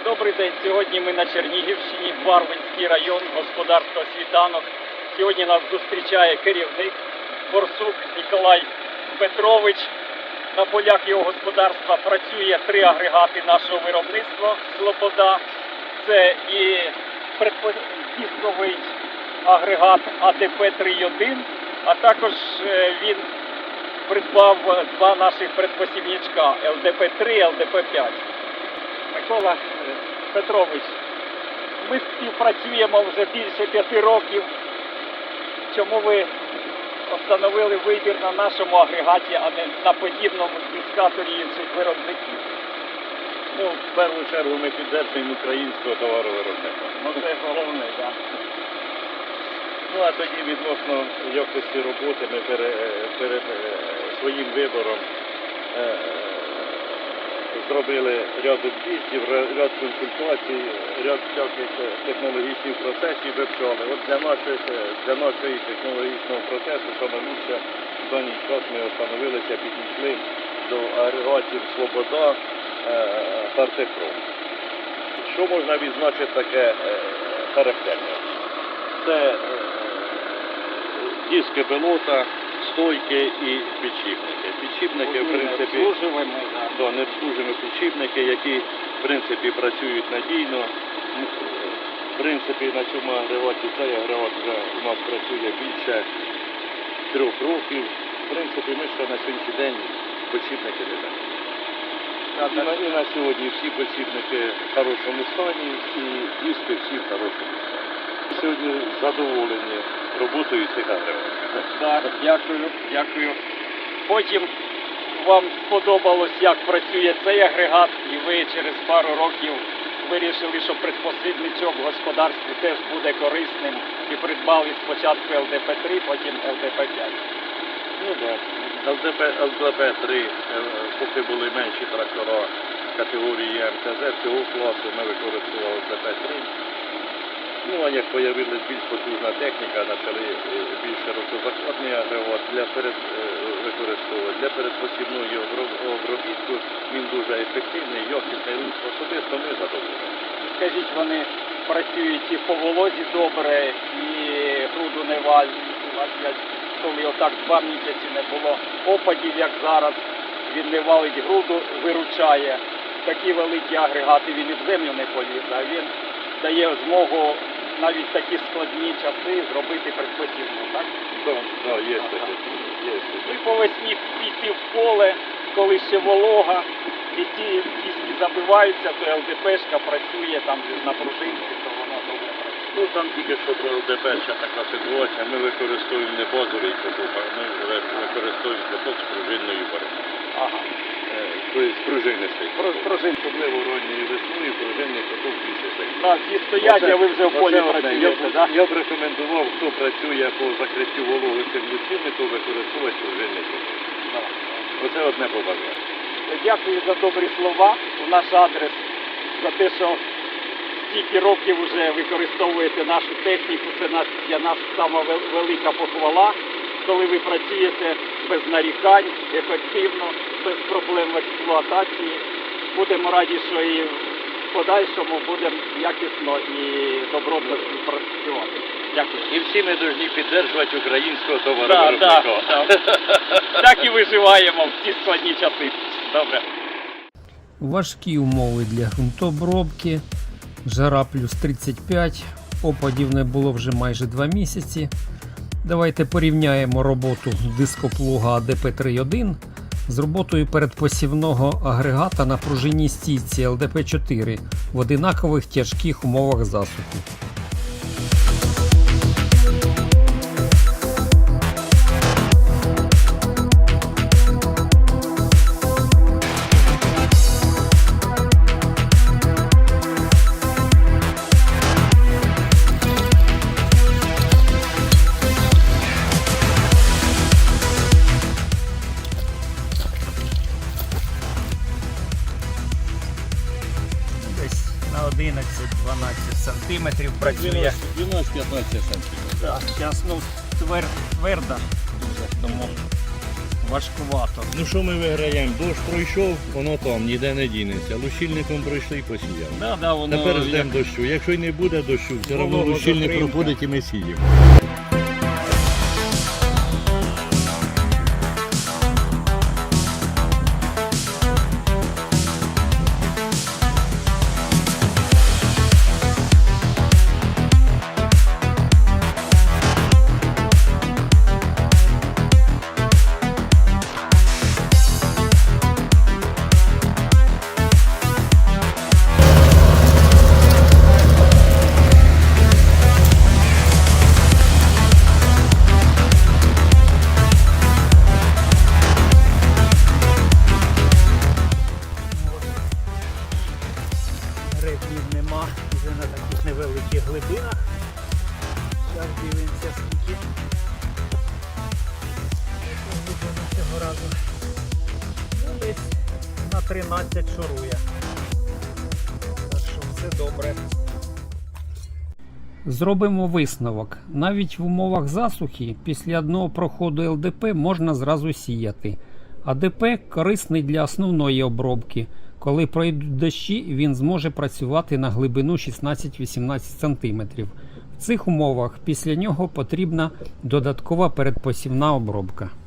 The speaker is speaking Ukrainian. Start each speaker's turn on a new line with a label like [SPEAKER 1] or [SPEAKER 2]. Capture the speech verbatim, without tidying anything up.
[SPEAKER 1] Добрий день. Сьогодні ми на Чернігівщині, Барвинський район, господарство «Світанок». Сьогодні нас зустрічає керівник Борсук Ніколай Петрович. На полях його господарства працює три агрегати нашого виробництва «Слобода». Це і предпосівний агрегат А Д П три один, а також він придбав два наших предпосівничка Л Д П три, Л Д П п'ять. Микола Петрович, ми співпрацюємо вже більше п'яти років. Чому ви встановили вибір на нашому агрегаті, а не на подібному дискаторі інших виробників?
[SPEAKER 2] Ну, в першу чергу ми підтримуємо українського товаровиробника.
[SPEAKER 1] Ну це головне, так.
[SPEAKER 2] Ну, а тоді відносно якості роботи ми перед, перед своїм вибором е, зробили ряд об'їздів, ряд консультацій, ряд всяких технологічних процесів вивчали. От для, наших, для нашого технологічного процесу саме лучше в даний час ми встановилися, підійшли до агрегатів «Слобода», «Артепром». Що можна відзначити таке характерне? Це диски пилота, стойки і підшипники. Підшипники, в принципі, да, не обслужені підшипники, які, в принципі, працюють надійно. В принципі, на цьому агрегаті, цей агрегат вже у нас працює більше трьох років. В принципі, ми ще на сьогоднішній день підшипники не даємо. І на, і на сьогодні всі підшипники в хорошому стані, і диски всі в хорошому стані. Сьогодні задоволені роботою цих агрегатів.
[SPEAKER 1] Так, дякую, дякую. Потім вам сподобалось, як працює цей агрегат, і ви через пару років вирішили, що предпосвідничок в господарстві теж буде корисним, і придбали спочатку Л Д П три, потім Л Д П п'ять.
[SPEAKER 2] Ну так. Л Д П три, поки були менші трактора категорії М Т З, цього класу ми використовували Л Д П три. Ну, а як з'явилася більш потужна техніка, почали більш широкозахватний агрегат для перед, використовувати. Для передпосівної обробітку він дуже ефективний, якісний, особисто ми задоволені.
[SPEAKER 1] Скажіть, вони працюють і по волозі добре, і груду не валять, коли отак два місяці не було опадів, як зараз, він не валить груду, виручає. Такі великі агрегати він і в землю не полізе, а він дає змогу навіть такі складні часи зробити предпосівну, так?
[SPEAKER 2] Так, да, є таке.
[SPEAKER 1] Ви по весні піти в поле, коли ще волога, і ці диски забиваються, то Л Д П-шка працює там на пружинці, то вона добре працює.
[SPEAKER 2] Ну, там тільки що про Л Д П ще така ситуація. Ми використовуємо не базовий каток, а ми використовуємо каток з пружинною боротьбою.
[SPEAKER 1] Ага.
[SPEAKER 2] З пружинистий.
[SPEAKER 1] Пружин.
[SPEAKER 2] Особливо ранньою весною пружинний каток більше стоїть.
[SPEAKER 1] Так, всі стоять, а ви вже в полі працюєте, так?
[SPEAKER 2] Я б рекомендував, хто працює по закриттю вологи цим лучильником, то використовувати пружинний каток. Оце одне побажання.
[SPEAKER 1] Дякую за добрі слова у наш адрес, за те, що стільки років вже використовуєте нашу техніку. Це для нас сама велика похвала, коли ви працюєте без нарікань, ефективно, без проблем в експлуатації. Будемо раді, що і в подальшому будемо якісно і добротно співпрацювати. Дякую.
[SPEAKER 2] І всі ми повинні підтримувати українського товаровиробника.
[SPEAKER 1] Так, так, так. Так і виживаємо в ці складні часи. Добре.
[SPEAKER 3] Важкі умови для ґрунтообробки, жара плюс тридцять п'ять, опадів не було вже майже два місяці. Давайте порівняємо роботу дископлуга А Д П три один з роботою передпосівного агрегата на пружинній стійці Л Д П чотири в одинакових тяжких умовах засухи.
[SPEAKER 1] одинадцять-дванадцять сантиметрів працює.
[SPEAKER 2] дванадцять-п'ятнадцять сантиметрів.
[SPEAKER 1] Так, зараз ну, твер, тверда дуже, тому
[SPEAKER 3] важкувато.
[SPEAKER 2] Ну що ми виграємо? Дощ пройшов, воно там, ніде не дінеться. Лущильником пройшли і посіяли.
[SPEAKER 3] Да, да, воно
[SPEAKER 2] Тепер
[SPEAKER 3] як-
[SPEAKER 2] ждемо дощу. Якщо й не буде дощу, все одно
[SPEAKER 3] Волого
[SPEAKER 2] лущильник
[SPEAKER 3] затримка.
[SPEAKER 2] проходить і ми сіємо.
[SPEAKER 3] Грибів нема вже на таких невеликих глибинах. Зараз дивимося скільки. Яку глибину цього разу. Ну, десь на тринадцять шурує. Так що все добре. Зробимо висновок. Навіть в умовах засухи після одного проходу ел де пе можна зразу сіяти. А де пе корисний для основної обробки. Коли пройдуть дощі, він зможе працювати на глибину шістнадцять-вісімнадцять см. В цих умовах після нього потрібна додаткова передпосівна обробка.